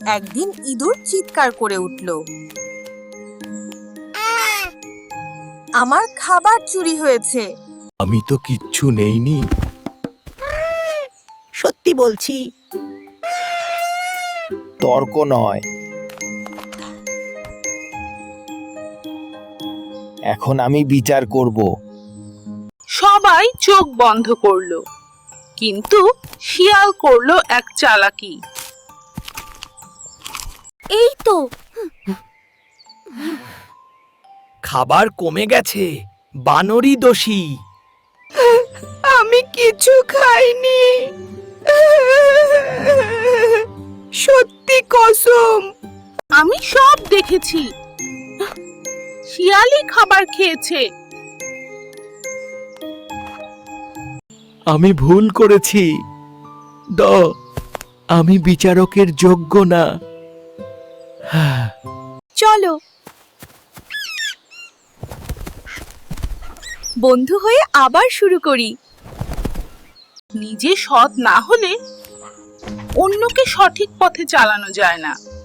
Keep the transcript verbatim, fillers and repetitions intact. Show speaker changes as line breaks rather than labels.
একদিন ইঁদুর চিৎকার করে উঠল, আমার খাবার চুরি হয়েছে।
আমি তো কিচ্ছু নেইনি।
সত্যি বলছি।
তর্ক নয়, এখন আমি বিচার করব।
সবাই চোখ বন্ধ করলো, কিন্তু শিয়াল করলো এক চালাকি।
এই তো,
খাবার কমে গেছে, বানরই দোষী।
আমি কিছু খাইনি, সত্যি কসম।
আমি সব দেখেছি, শিয়ালই খাবার খেয়েছে।
আমি ভুল করেছি। দ আমি বিচারকের যোগ্য না।
চলো বন্ধু হয়ে আবার শুরু করি।
নিজে সৎ না হলে অন্যকে সঠিক পথে চালানো যায় না।